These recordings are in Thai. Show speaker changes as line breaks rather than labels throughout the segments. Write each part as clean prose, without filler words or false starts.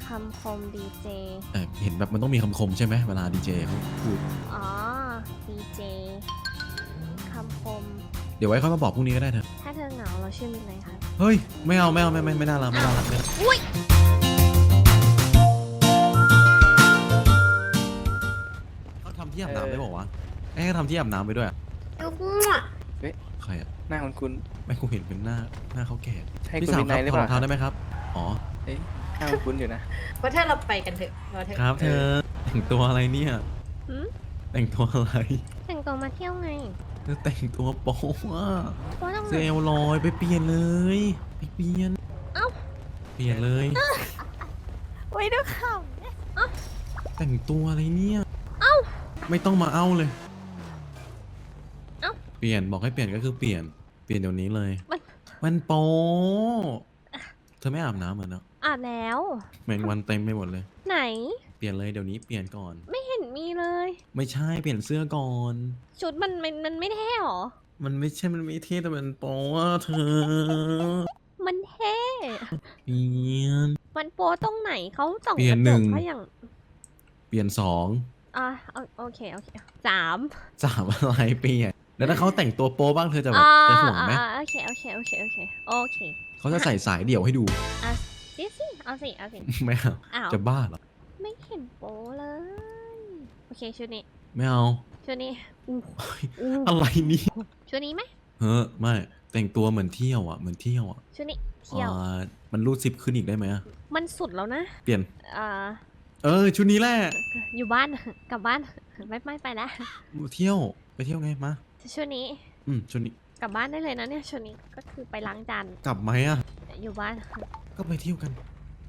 คำคมดีเจ
เห็นแบบมันต้องมีคำคมใช่ไหมเวลาดีเจเขาพูด
อ๋อดีเจคำคม
เดี๋ยวไว้เขามาบอกพรุ่งนี้ก็ได้เถอะ
ถ้าเธอเหงาเราชื่อมินเลยครับ
เฮ้ยไม่เอาไม่น่ารักไม่น่ารักเลยเขาทำที่อาบน้ำได้บอกว่าให้เขาทำที่อาบน้ำไปด้วยใครอะ
หน้าของคุณ
ไม่กูเห็นเป็นหน้าเขาแก่
ใช่
พี่
คุณ
สาว
วิ
ค
นั
รับ
ยหรือ
ขอ
เป
ร
ล่า
องเท้าได้ไหมครับอ๋อ
เอ้ยหน้าของคุณอยู่นะ
เพราะถ้าเราไปกันเถอะรอเถอะ
ครับเธอแต่งตัวอะไรเนี่ย
หืม
แต่งตัวอะไร
แต่งตัวมาเที่ยวไง
เธอแต่งตัวโป๊ะอะ
เพราะต้อง
เซลลอยไปเปลี่ยนเลยไปเปลี่ยน
เอ้า
เปลี่ยนเลย
ไว้ด้วยข่าว
แต่งตัวอะไรเนี่ย
เอ้า
ไม่ต้องมาเอ้าเลย
เอ้า
เปลี่ยนบอกให้เปลี่ยนก็คือเปลี่ยนเดี๋ยวนี้เลย
มัน
โป๊ะเธอไม่อาบน้ำเหรอเนาะ
อาบแล้ว
แมงวันเต็มไปหมดเลย
ไหน
เปลี่ยนเลยเดี๋ยวนี้เปลี่ยนก่อน
ไม่เห็นมีเลย
ไม่ใช่เปลี่ยนเสื้อก่อน
ชุดมันไม่เท่หรอ
มันไม่ใช่มันไม่เท่แต่มันโป๊ะเธอ
มันเท่
เปลี่ยน
มันโป๊ตรงไหนเขาส่อง
เปลี่ย
ก
น
ระ
ห
จ
นึ่
ก
ง
เขาอย่าง
เปลี่ยนสอง
โอเคสาม
สามอะไรเปลี่ยนแล้วถ้าเขาแต่งตัวโป๊บ้างเธอจะแบบ
อ่า
จะห่วงไหม
โอเคโอเค
เขาจะใส่สายเดี่ยวให้ดู
สิเอาสิ
ไม่เอา
อ้าว
จะบ้าเหรอ
ไม่เห็นโป๊เลย โอเคชุดนี้
ไม่เอา
ชุดนี้อู้
อะไรนี่
ชุดนี้ไหม
เฮ้อไม่แต่งตัวเหมือนเที่ยวอ่ะเหมือนเที่ยวอ่ะ
ชุดนี้เที่ยว
มันรูดซิปขึ้นอีกได้ไหมอะ
มันสุดแล้วนะ
เปลี่ยน
อ่า
ชุดนี้แหละ
อยู่บ้าน กลับบ้าน ไม่ไปแล้ว
เที่ยวไปเที่ยวไงมา
ชุดนี้
ชุดนี้
กลับบ้านได้เลยนะเนี่ยชุดนี้ก็คือไปล้างจาน
กลับไหมอ่ะ
อยู่บ้าน
ก็ไปเที่ยวกัน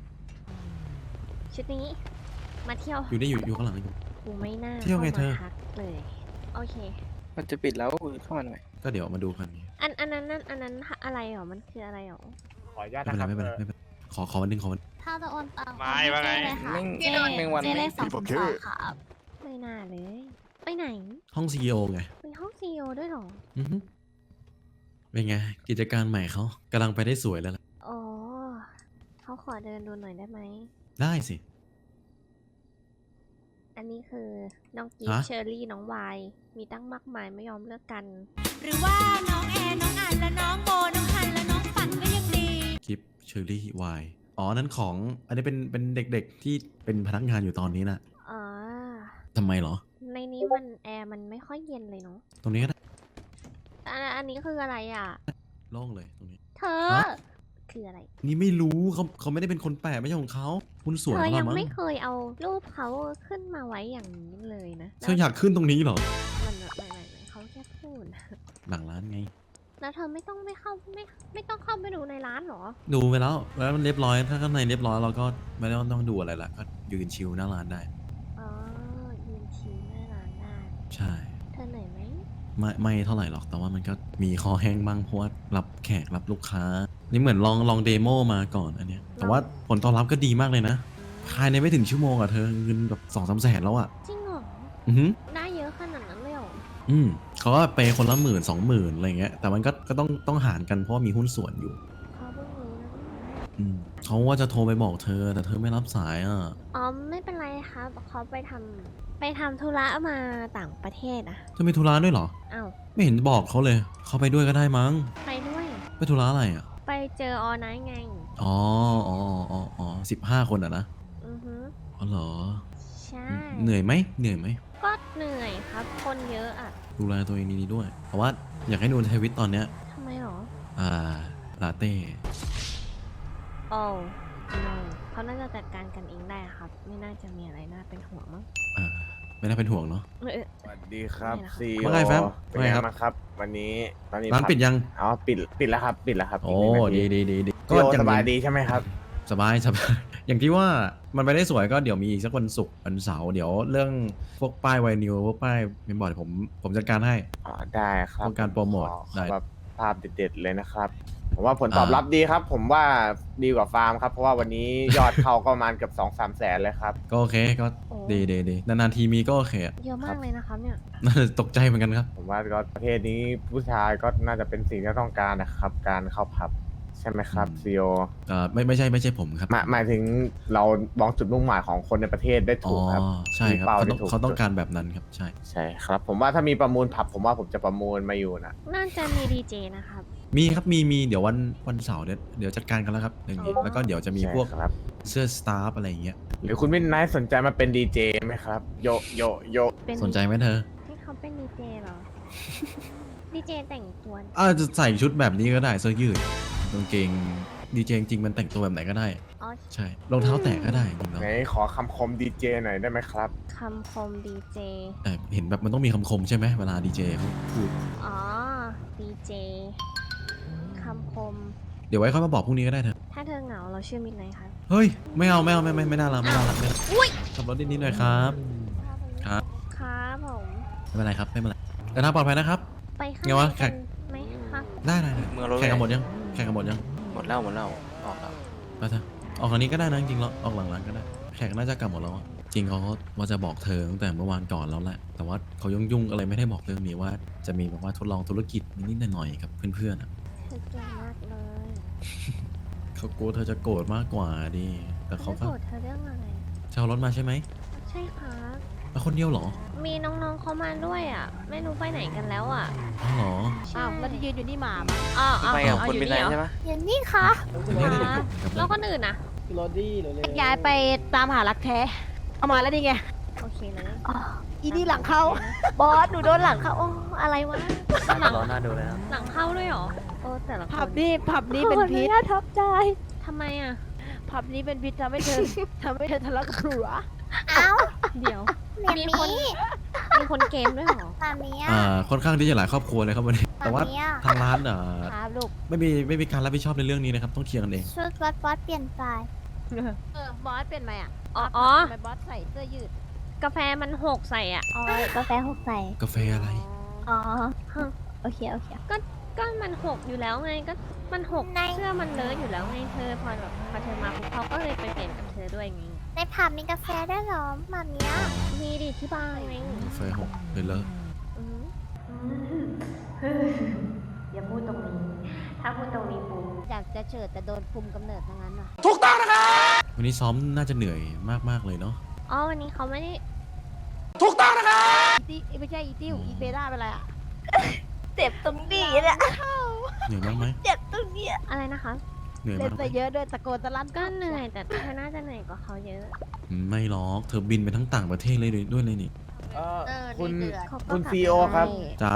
ชุดนี้ มาเที่ยว
อยู่ได้อยู่ข้างหลังอยู่
กูไม่น่า
เที่ยวไงเธอ
ข้ามาทักเลยโอเค
มันจะปิดแล้วเข้ามาหน่อย
ก็เดี๋ยวมาดูกัน
อันนั้นอะไรหรอมันคืออะไรหรอ
ขออนุญาต
ไม่
นะ
เป็น
ค
ไร
รับ
ไม่เป็นไรไม่เป็นไรขอวันหนึงขอวัน
ถ้าจะโอนตังค์
ไม่ว่าไง
แมงวัน
เจเลข202ครับ
ไม่น่าเลย ไปไหน
ห้อง CEO ไง
ไปห้องซีโอด้วยเหรอ
อือฮึเป็นไงกิจการใหม่เขากำลังไปได้สวยแล้วล่ะ
อ๋อเขาขอเดินดูหน่อยได้ไหม
ได้สิ
อันนี้คือน้องกีฟ
ฮะ
เชอรี่น้องวายมีตั้งมากมายไม่ยอมเลิกกัน
หรือว่าน้องแอนน้องอันและน้องโบน้องฮันและน้องฝันก็ยังดี
กิฟเชอรี่วายอ๋อนั้นของอันนี้เป็นเด็กๆที่เป็นพนักงานอยู่ตอนนี้น่ะ
อ๋อ
ทำไมเหรอ
ในนี้มันแอร์มันไม่ค่อยเย็นเลยเนาะ
ตรงนี้ก็ได้
อันนี้คืออะไรอ่ะ
โล่งเลยตรงนี้
เธอ
ฮะ
คืออะไร
นี่ไม่รู้เขาไม่ได้เป็นคนแปลไม่ใช่ของเขาคุณสวย
เธอ
เขา
ยัง
ละมั้ง
ไม่เคยเอารูปเขาขึ้นมาไว้อย่างนี้เลยนะ
เธออยากขึ้นตรงนี้เหรอ
มันไม่เขาแค่พูด
หลังร้านไง
แล้วเธอไม่ต้องไม่ต้องเข้าไปดูในร้านเหรอ
ดูไปแล้วมันเรียบร้อยถ้าข้างในเรียบร้อยเราก็ไม่ต้องดูอะไรละก็ยืนชิลหน้าร้านได้
อ๋อยืนชิลหน้าร้านได้
ใช่
เธอเหนื่อยไหม
ไม่เท่าไหร่หรอกแต่ว่ามันก็มีคอแห้งบ้างเพราะว่ารับแขกรับลูกค้า นี่เหมือนลองเดโมมาก่อนอันเนี้ยแต่ว่าผลตอบรับก็ดีมากเลยนะภายในไม่ถึงชั่วโมงอะเธอเงินแบบ2-3 แสนแล้วอะ
จริงเหรอ
อือหือ
ได้เยอะขนาดนั้นเลยเหรอ
เขาก็ไปคนละ10,000-20,000อะไรเงี้ยแต่มันก็ต้องหารกันเพราะว่ามีหุ้นส่วนอยู่
เขาเพิ่งรู้นะ
เขาว่าจะโทรไปบอกเธอแต่เธอไม่รับสายอะ
อ๋อไม่เป็นไรครับเขาไปทำธุระมาต่างประเทศอะ
เธอมีธุระด้วยเหรอ
อ้าว
ไม่เห็นบอกเขาเลย เขาไปด้วยก็ได้มั้ง
ไปด้วย
ไปธุระอะไรอะ
ไปเจอออไนท์ไง
15 คนอะนะ
อือฮึ
อ๋อเหรอ
ใช่
เหนื่อยไหม
ก็เหนื่อยครับ คนเยอะอะ
ดูแลตัวเองดีๆด้วยเพราะว่าอยากให้นูนทวิตตอนเนี้ย
ทำไมหรอ
ลาเต้
โอ้no เขาน่าจะจัดการกันเองได้ครับ ไม่น่าจะมีอะไรน่าเป็นห่วงมั้ง
ไม่น่าเป็นห่วงเนาะ
สวัสดีครับ
ไม่นะครับ
ซี
ว่าไงแฟม
เป็น
ว่า
ไง
ไงครับ
บ้างครับ วันนี้ตอนนี้
ร้านปิดยัง
อ๋อปิดแล้วครับปิดแล้วครับ
โอ้
อีกหนึ่งนาที
ดี
พี่โอ
อ
สบายดีใช่ไหมครับ
สบาย อย่างที่ว่ามันไปได้สวยก็เดี๋ยวมีอีกสักวันศุกร์วันเสาร์เดี๋ยวเรื่องพวกป้ายไวนิวพวกป้ายเมมบอร์ดผมจัดการให้
อ๋อได้ครับ
ต้องการโปรโมท
ขอ
ได้
แบบภาพเด็ดๆเลยนะครับ ผมว่าผลตอบรับดีครับ ผมว่าดีกว่าฟาร์มครับ เพราะว่าวันนี้ยอดเข้าก็ประมาณเกือบ2-3 แสนเลยครับ
ก็โอเคก็
โอ้
ดีนานๆทีมีก็โอเคอะ
เยอะมากเลยนะครับเนี่ย
น่าจะตกใจเหมือนกันครับ
ผมว่าก็ประเทศนี้ผู้ชายก็น่าจะเป็นสิ่งที่ต้องการนะครับ การเข้าผับใช่ไหมครับซีโอ
ไม่ใช่ผมครับ
หมายถึงเรามองจุดมุ่งหมายของคนในประเทศได้
อ๋
ถู
อก
ครับ
ใช่ครับ
ป้
เขา
ได้
ต้อง
ถู
เขาต้อง
จุด
การแบบนั้นครับใช่
ใช่ครับ ผมว่าถ้ามีประมูลผับผมว่าผมจะประมูลมาอยู่นะ
น่าจะมีดีเจนะครับ
มีครับมีเดี๋ยววันเสาร์เดี๋ยวจัดการกันแล้วครับอย่างนี้
อ๋อ
แล้วก็เดี๋ยวจะมีพวก
ใช่ครับ
เสื้อสตาฟอะไรอย่างเงี้ย
หรือคุณมินไนท์สนใจมาเป็นดีเจไหมครับ โยโยโย
เป็น
สนใจไหมเธอ
ให้เขาเป็นดีเจเหรอ ดีเจแต่งตัว
จะใส่ชุดแบบนี้ก็ได้เสื้อยืดกางเกงดีเจจริงๆมันแต่งตัวแบบไหนก็ได้
อ๋อ
ใช่รองเท้าแตะก็ได้จริงๆแล้ว
ไหนขอคำคมดีเจหน่อยได้ไหมครับ
คำคมดีเจ
แต่เห็นแบบมันต้องมีคำคมใช่ไหมเวลาดีเจเขาพูด
อ๋อ ดีเจ คำคม
เดี๋ยวไว้ค่อยมาบอกพรุ่งนี้ก็ได้เธอ
ถ้าเธอเหงาเราชื่อมิดไนท์ครับ
เฮ้ยไม่เอาไม่น่ารักไม่น่ารักไม่ขับรถนิดๆหน่อยครับ ครับ
ครับผม
ไม่เป็นไรครับไม่เป็นไรเดินทางปลอดภัยนะครับ
ไปข้าง
ไง
ใน
วะ
กันไหมคะ
ได้
เมืองรถ
แข่งกันหมดยังแข่งกันหมดยัง
หมดแล้วออกแล้ว
ไปเถอะออกทางนี้ก็ได้นะจริงๆแล้วออกหลังๆก็ได้แขกน่าจะกลับหมดแล้วอะจริงเขาว่าจะบอกเธอตั้งแต่เมื่อวานก่อนแล้วแหละแต่ว่าเขายุ่งๆอะไรไม่ได้บอกเรื่องนี้ว่าจะมีแบบว่าทดลองธุรกิจนิดๆหน่อยๆกับเพื่อนๆอะ
เธอเก่งมากเลย
เขากลัวเธอจะโกรธมากกว่าดิแต่เขา
ไม่
ก็
โกรธเธอเรื่องอะไร
จะเอารถมาใช่ไหม
ใช่ครับ
แล้วคนเดียวเหรอ
มีน้องๆเขามาด้วยอ่ะ ไม่รู้ไปไหนกันแล้วอ่ะ
อ๋อเหรอ
อ้าวแล้วที่ยืนอยู่นี่หมาปะอ้าว
ไปกับคน
อยู่
เป็นไร
เหรอ
ใช่ไหม
อย่างนี้ค่ะ
เนี่ย
ครับ แล้วคนอื่นอ่ะ
ย้ายไปตามหารักแท้ เอามาแล้วนี่ไง
โอเคเลย
อีนี่หลังเข้า บอส หนูโดนหลังเข้า
โอ้อะไรวะ หลัง
รอหน้าดูเลยนะ
หลังเข้าด้วยเหรอ โอ้แต่ละค
ผับ
น
นี่เป็นพิษทับใจ
ทำไมอ่ะ
ผับนี้เป็นพิษทำให้เธอ ทำให้เธอทะเลาะกับผัว
เอ้า
เดี๋ยว
เมีย
มี
มี
คน มีคนเกมด้วยเหรอ
มาเมีย
ค่อนข้างที่จะหลายครอบครัวเลยครับวันนี้แต่ว่า
มาเมีย
ทางร้าน
ครับลูก
ไม่มีการรับผิดชอบในเรื่องนี้นะครับต้องเคลียร์กันเอง
ชุดบอสเปลี่ยนไป
บอสเป็นไหมอ่ะ
อ๋อ
ทำไมบอสใส่เสื้อยืด
กาแฟมันหกใส่อ่ะ
อ๋อกาแฟหกใส่
กาแฟอะไร
อ๋อ โอเค โอเค
ก็มันหกอยู่แล้วไง ก็มันหก
ใน
เสื้อมันเลอะอยู่แล้วไงเธอ พอแบบพอเธอมาปุ๊บเขาก็เลยไปเปลี่ยนกับเธอด้วยไง
ในผับมีกาแฟด้วยเหรอมาเมีย
มีดิที่บ้านไง
กาแฟหกเลยเลอะ
อืมอย่าพูดตรงนี้ ถ้าพูดตรงนี้ปุ๊บ
อยากจะเฉิดแต่โดนคุมกำเนิดทั้งนั้นว่ะ
วันนี้ซ้อมน่าจะเหนื่อยมากๆเลยเนาะ
อ๋อ วันนี้เขาไม่ได้
อีตี้ไม่ใช่อีติ้วอีเบด้าเป็นไรอ่ะ
เจ็บตรงนี้เนี่ย
เหนื่อยมากไหม
เจ็บตรงนี้
อะไรนะคะ
เหนื่อย
เล่
มาน กไหม
ไปเยอะด้วยตะโกนตะลั่น
ก็เหนื่อยแต่เธอน่าจะเหนื่อยกว่าเขาเยอะ
ไม่หรอกเธอบินไปทั้งต่างประเทศเลยด้วยเลยนี่
คุณ
เดือด
เขาก็
คุณ
กลับ
ซีโอครับ
จ๋าร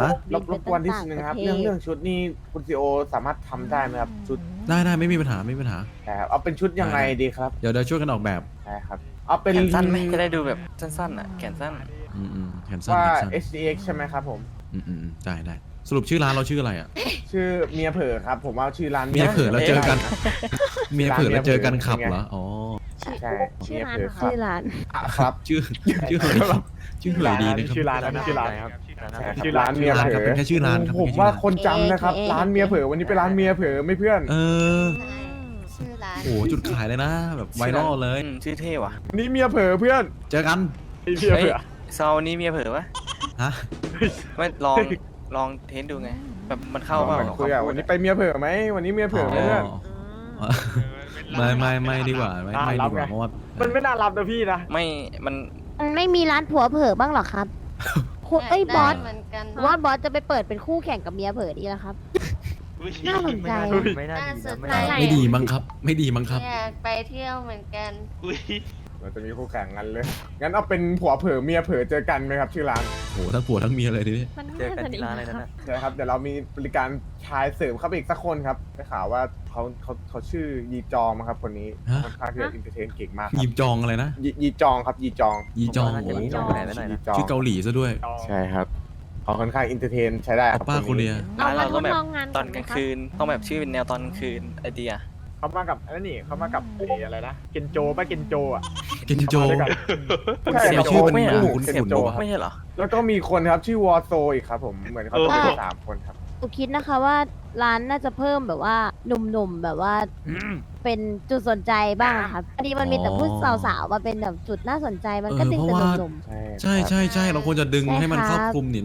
บกวนที่นึงนะครับ เรื่องชุดนี้คุณซีโอสามารถทำได้ไหมครับ ชุด
ได้ไม่มีปัญหาไม่มีปัญหา
แต่เอาเป็นชุดยังไงดีครับ
เดี๋ยวช่วยกันออกแบบ
ใช่ครับ เอาเป็น
แขนสั้นไหมจะได้ดูแบบสั้นๆอ่ะแขนสั้น
แขนสั้น
ว่า
แขนสั้น
HDX ใช่ไหมครับผม
ได้สรุปชื่อร้านเราชื่ออะไรอ่ะ
ชื่อเมียเผลอครับ ผมว่าชื่อร้าน
เมียเผลอแล้วเจอกัน เมียเผลอแล้วเจอกันขับ
เป็นไง
เหรออ๋อ
ใช่
ชื่อ
เมีย
ร้าน
เผล
เหร
อ
อ
ค
คะ
รับ
ชื่อร้าน
ครับ
ชื่อเหยชื่อเหยดีนะครับ
ชื่อร้านนะชื่อร้านครับชื่อร้าน
ชื่
เมี
อย ร้าน
เผ
ครับ
ล
เป็นแค่ชื่อร้านครับ
ผมว่าคนจำนะครับ ร้านเมียเผลอวันนี้เป็นร้านเมียเผลอไม่เพื่อน
เออ
ชื่อร้าน
โอ้จุดขายเลยนะ แบบไวรัลเลย
ชื่อเท่ว่ะ
วันนี้เมียเผลอเพื่อน
เจอกัน
เมีย
เฮ้
เผ
ย
ลอ
ซาวนี้เมียเผลอปะ
ฮะ
ไม่ลองเทสดูไง แบบมันเข้าเปล่า
คุยอ่ะวันนี้ไปเมียเผลอไหมวันนี้เมียเผลอไหมเพื่อน
อ๋อไม่ดีกว่าไม่ดีกว่าเพราะว่า
มันไม่น่ารับนะพี่นะ
ไม่มัน
มันไม่มีร้านผัวเผลอบ้างเหรอครับคุณเอ้ยบอส
เหมือนกัน
ว่าบอสจะไปเปิดเป็นคู่แข่งกับเมียเผลอดีแล้วครับ น่าสนใจ
ไม่น่าดีนะ
ไม่ดีมั้งครับ ไม่ดีมั้งครับ
อยากไปเที่ยวเหมือนกัน
เราจะมีคู่แข่งกันเลย งั้นเอาเป็นผัวเผลอเมียเผลอเจอกันไหมครับชื่อร้าน
โหทั้งผัวทั้งเมียเลยทีนี้
มัน
เจอกัน
ดี
ที่ร้านอะไรนั่น
ครับ
นะ
ใช่ครับ เดี๋ยวเรามีบริการชายเสริมเข้าไปอีกสักคนครับได้ข่าวว่าเขาชื่อยีจองมั้งครับคนนี้
ฮะ
ค่อนข้างที่จะอินเตอร์เทนเก่งมากค
ยี
รับ
จองอะไรนะ
ยีจองครับยีจอง
ยีจอง
ผมว่าน่าจะ
โอ้
มีจองแผนไว้หน่อยนะ
ยีจอง
ชื่อเกาหลีซะด้วย
ใช่ครับเขาค่อนข้างอินเตอร์เทนใช้ได้ครับ
ป้าโคเรีย
เอา
ร้าน
มา
เรา
ท
ต้องแบบ
ดลองงาน
ตอนกลางคืนต้องแบบชื่อเป็นแนวตอนกลางคืนไอเดีย
เขามากับนั่นนี่เขามากับอะไรนะเกนโจป่ะเกนโจอ่ะ
เกนโจ
เขามาด้วยกัน
คุณ
ใช่
เสี่ยว
ครับ
ชื่อเป็น
ไม่เหรอ
คุณ
เกน
ขุน
โจ
บอก
ไม่ใช่เหรอ
แล้วก็มีคนครับชื่อวอโซอีกครับผมเหมือนเขาจะเป็นสามคนครับ
หนูคิดนะคะว่าร้านน่าจะเพิ่มแบบว่าหนุ่มๆแบบว่าเป็นจุดสนใจบ้างอะครับอันนี้มันมีแต่ผู้สาวๆมาเป็นแบบจุดน่าสนใจมันก็ดึงแต่หนุ่ม
ใช่
ใช่เราควรจะดึงให้มันครอบคลุมนี่เนาะ
ๆ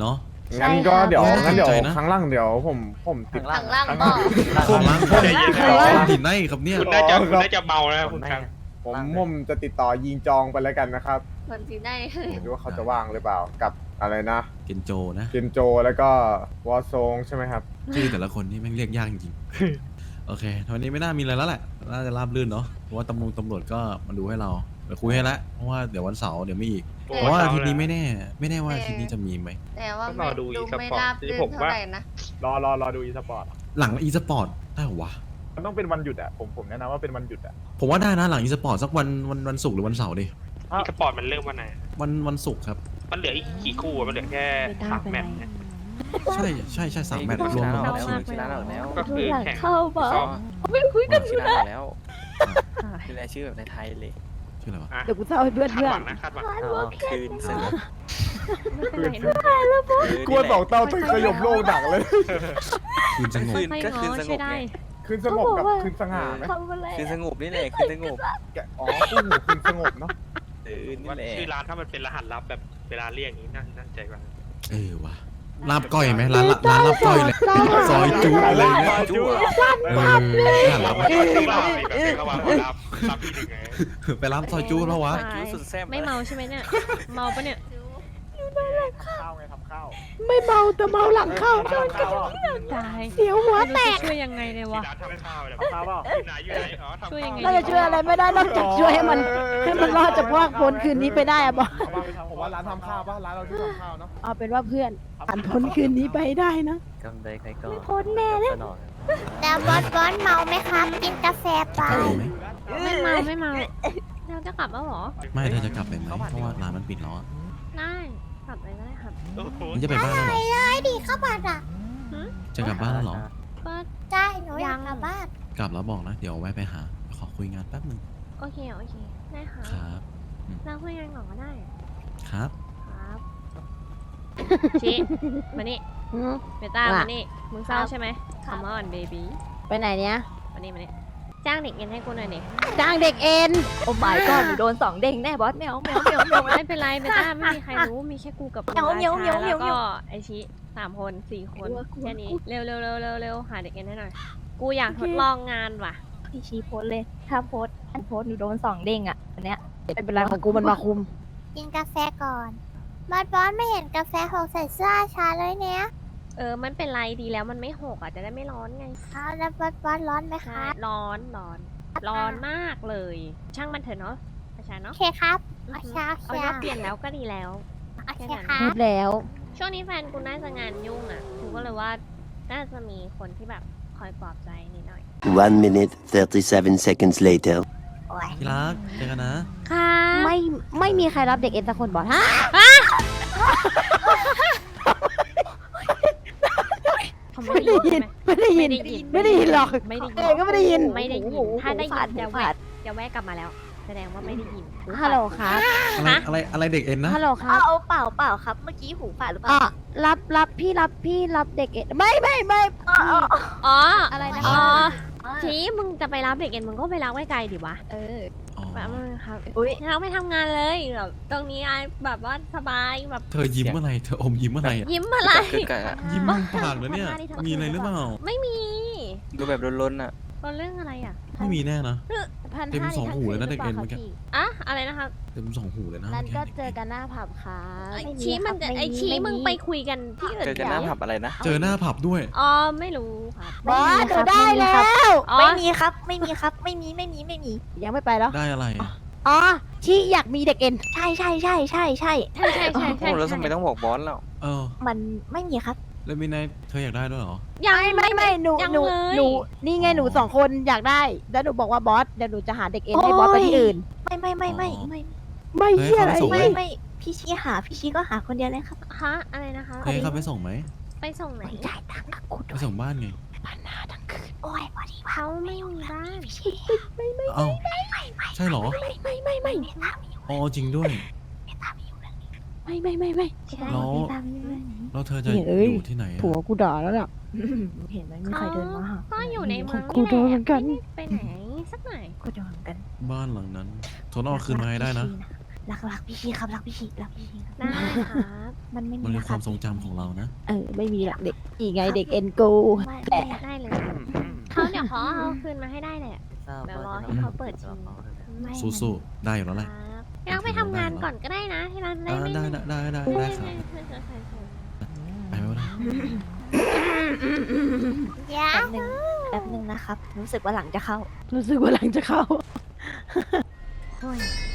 งั้นก็เดี๋ยว
ใช่
งั้นเดี๋ยว
สนใจนะ
ครั้งล่างเดี๋ยวผมติด
ข้างล่าง
ข้าง
ก็
ล่าง
ของร้าน
ใจเย็น
ของหินในครับเนี่ย
คุณน่าจะเมาแล้วคุณครับ
ผมจะติดต่อยิงจองไปแล้วกันนะครับ
คนจีนได้เลย
ไม่รู้ว่าเขาจะว่างหรือเปล่ากับอะไรนะ
เกนโจนะ
เกนโจแล้วก็วอซงใช่ไหมครับ
ชื่อแต่ละคนนี่แม่งเรียกยากจริงๆ โอเควันนี้ไม่น่ามีอะไรแล้วแหละ น่าจะราบรื่นเนาะ เพราะว่าตำรวจก็มาดูให้เราเดี๋ยวคุยให้ละ เพราะว่าเดี๋ยววันเสาร์เดี๋ยวมีอีก เพราะว่าอาทิตย์นี้ไม่แน่ว่าอาทิตย์นี้จะมีไหม
แต่ว่า
ต้องรอดู
ดู
e-sport
ไม่ราบรื่น
ผม
เท่า
ว่า
ไหร่นะ
รอดูอีสปอร์ต
หลังอีสปอร์ตได้เหรอวะ
มันต้องเป็นวันหยุดอ่ะผมแนะนำว่าเป็นวันหยุดอ่ะ
ผมว่าได้นะหลังอีสปอร์ตสักวันศุกร์หรือวันเสาร์ดิ
อีสปอร์ตมันเริ่มวันไหน
วันศุกร์ครับ
มันเหลืออีกกี่คู่อะมันเหลือแค่3 แมตช์เนี่ย
ใช่3 แมตช์รวม
ช
ร
นะ
อบ
แล้ว
ชิง
ชนะแล้ว
ก็คือ
หลัง
แข่ง
เข้าบอส
ก็
ไม่คุยกัน
ชนะแล้วคือรายชื่อแบบในไทยเลย
ชื่ออะไรวะ
อ่ะ
เดี๋ยวกูเศร้าให้เพื่อน
คาด
เพื่อ
หวั
น
งนะคาดหวัง
คืนสงบ
ไม่เป็นไรนะ
กลัวสองเต้าถึงสยบโลกดักเลย
คืนสงบ
ค่อย
ก็
ๆ
คืน
ง้อ
สง
ใช่
บ
ได้
ไง
คืนสงบกับคืนสง่าไหม
ทำอะไร
คืนสงบนี่แหละคืนสงบ
อ๋อคู่หูคืนสงบเนาะ
นี่
ว่า
แหละ
ชื่อร้านถ้ามันเป็นรหัสลับแบบเวลาเรียกอย่างนี้น่าใจกว่า
วะลาบก้อยไหมร้านลาบก้อยเลยซอยจุอะไรเงี้ย
จุ๊บ
น่ารับ
ระหว่างรับที่หนึ่งไง
ไปร้านซอยจุแล้ววะ
จุ๊บสุดแซ่บ
ไม่เมาใช่ไหมเนี่ย เมาปะเนี่ย
ข้าวไงทำข้าว
ไม่เมาแต่เมาหลังเข้า
ข้าวข้าว
ตาย
เสียวหัวแต
ไม่รู้
ก
จะช่วยยังไงเลยวะ
ร้านทำข้าวเลย
ข้าวเปล่า
อยู่ไหนอยู่ไหนอ๋อทำ
ช่วยยังไง
เราจะช่วยอะไรไม่ได้นอกจากช่วยให้มันรอดจากพวกพ้นคืนนี้ไปได้อะบอส
ผมว่าร้านทำข้าวป่ะร้านเราที่ทำข้าวเนาะ
เอาเป็นว่าเพื่อนผ่านพ้นคืนนี้ไปได้นะ
กำไรใครก็
ไม่พ้นแน่เลย
แล้วบอสเมาไหมครับ กินกาแฟเปล่า
จะเอาไหม
ไม่เมาเราจะกลับแล้วเหรอ
ไม่เธอจะกลับไปไหมเพราะว่าร้านมันปิดแล้วอะ
ได้กลับไปก็ได้ครับ
โอ้โห
มันจะไปบ้านแล้วเหรอ
เลยดีข้าวผัดอ่ะ
จะกลับบ้านแล้วเหรอ
ก็
ใช่หนูอยากกลับบ้าน
กลับแล้วบอกนะ เดี๋ยวแวะไปหา ขอคุยงานแป๊บนึง
โอเคได้ค่ะ
ครับ
เราคุยกันก่อนก็ได้
ครับ
ครับชิมานี่เบต้า
ว่า
มานี่มึงเศร้าใช่ไหมคำว่าอ่อนเบบี้
ไปไหนเนี้ย
มานี่จ้างเด็กเงินให้กูหน่อยดิ
จ้างเด็กเอ็น
โอ้ my god หนูโดน2 เด้งแน่บอสแมว
ไม่เป็นไรเบต้าไม่มีใครรู้มีแค่กูกับมึง
เหมียว
รา
เหมียว
ชา
เหมี
แล้
ยว
วก็ไอชิ3 คน4 คน
กลัว
แค่นี้เร็วหาเด็กเงินให้หน่อย กูอยากทดลองงานว่ะ
พี่ชี้โพสเลย ถ้าโพสหนูโดน2 เด้งอ่ะอันเนี้ย
ไม่เป็นไรของกูมันมาคุม
กินกาแฟก่อนบอสไม่เห็นกาแฟหกใส่เสื้อชาเลยเนี่ย
มันเป็นไรดีแล้วมันไม่หกอ่ะจะได้ไม่ร้อนไง
เอาแล้วบอสร้อนไหม
ใช่
คะ
ร้อนมากเลย ช่างมันเถอะเนาะอาจารย์
โอ
เนาะ
เคครับ
อื
โอ
อ
เค
ฮึ
โอ
เอา
เค
ว่าเปลี่ยนแล้วก็ดีแล้ว
โอเคครับ
พูดแล้ว
ช่วงนี้แฟนกูน่าจะงานยุ่งอ่ะกูก็เลยว่าน่าจะมีคนที่แบบคอยปลอบใจนิดหน่อย
1 minute 37 seconds later.
โอ้ย
ที่รักเจอกันนะ
ค่ะ
ไม่มีใครรับเด็กเอ็นสักคนบอสฮะ
เขาไม่ได้ยินใช่ไหม
ไม่ได้ยิน ไม่ได้ยินหรอก
ไม่ได้ยิน
เองก็ไม่ได้ยิน
ไม่ได้ยิน ถ้าได้ยินจะ
หู
แวะ
ฝาด
จะแวะกลับมาแล้ว แสดงว่าไม่ได้ยิน
ฮัลโหลครับ
อะไรเด็กเอ็นนะ
ฮัลโหลครับ
เอาเปล่าครับ เมื่อกี้หูฝาดหรือเปล่า
อ่ะรับพี่รับเด็กเอ็นไม่
อ๋อ
อะไรนะ
อ๋อ
อ๋อ
ทีมึงจะไปรับเด็กเอ็นมึงก็ไปรับไว้ไกลดิวะ
เออ
อ๋อ
แบบมึงครับ
อุ๊ย
เราไปทำงานเลยแบบตรงนี้ไอแบบว่าสบายแบบ
เธอยิ้มเมื่อไหรเธออมยิ้มเมื่อไหรอะ
ยิ้มอะไร
คือกะ
ยิ้มมุมปากแล้วเนี่ย มีอะไรหรือเปล่า
ไม่มี
ดูแบบล้นๆอ่ะ
ตอนเรื่องอะไรอ่ะ
ไม่มีแน่นะ เต็ม
1,500
2 หูเลยนะเด็กเอ็นเมื่อกี้
อะอะไรนะครับ
เต็ม2 หูเลยนะ
นั้นก็
มื่
เจอกันหน้าผับครับ
ไอชี้มันจะไอชี้มึงไปคุยกันที่อื่น
เจอกันหน้าผับอะไรนะ
เจอหน้าผับด้วย
อ๋อไม่รู้ครับ
บอสหนูได้แล้ว
อ๋อ
ไม่มีครับ ไม่มี
ยังไม่ไปแล้ว
ได้อะไร
อ๋อที่อยากมีเด็กเอ็น
ใช่
ใช่
โอ้แล้วทำไมต้องบอกบอสแล้ว
เออ
มันไม่มีครับ
แล้วมีนายเธออยากได้ด้วยเหรอ
ยัง
ไม่หนู
ยัง
หนู
เลย
หนูนี่ไงหนู2 คนอยากได้ แล้วหนูบอกว่าบอสเดี๋ยวหนูจะหาเด็กเอ็นให้บอสไปที่อื่น
ไม่
เฮ้ย
เหี้ยอะไร
เขาไปส่งไหม
ไม่พี่ชี้ก็หาคนเดียวเลยครับ
ฮะอะไรนะคะ
เฮ้ยเขาไปส่งไหม
ไปส่งไหน
จ่ายตังค์กับกู
ไปส่งบ้านไง
โอ้ยพอดี
เขาไม่มีบ้าน
พี่ชี้
เอ้าใช่เหรอ
ไม่
อ๋อจริงด้วย
ไม่
ใช่
แล้ว
พี่ตามอยู่เลยนี้
แล้วเธอจะ
เอ้ย
อยู่ที่ไหนอะ
ผัวกูด่าแล้วน่ะ
เห็นไหมมีใครเดินมาหา
ก็อยู่ในเมือง
กูโดนเหมือนกัน
ไม่ได้ไปไหนสักหน่อย
กูโดนกัน
บ้านหลังนั้นโทรเอาคืนมาให้ได้นะ
รักพี่ชีครับรักพี่ชีรักพี่ชีครับ
ได้ครับ
มันไม่
มัน
มี
เป็น
นะ
ค
ครั
วา
บ
มทรงจำของเรานะ
ไม่มีหรอกเด็กอีไงเด็กเอ็นโก
ได้เลยเขาเดี๋ยวเขาเอาคืนมาให้ได้แหละเดี๋ยวรอให้เขาเปิดชิง
ไม่
สู้ๆได้อยู่แล้วแหละ
ครับพี่รักไปทำงานก่อนก็ได้นะที่ร้านได้
อ่า
ไม่
ได้ได้ได้ได้ได้ครับไปไหมวะนะ
แป๊บนึงนะครับ รู้สึกว่าหลังจะเข้า
รู้สึกว่าหลังจะเข้า
โอ้ย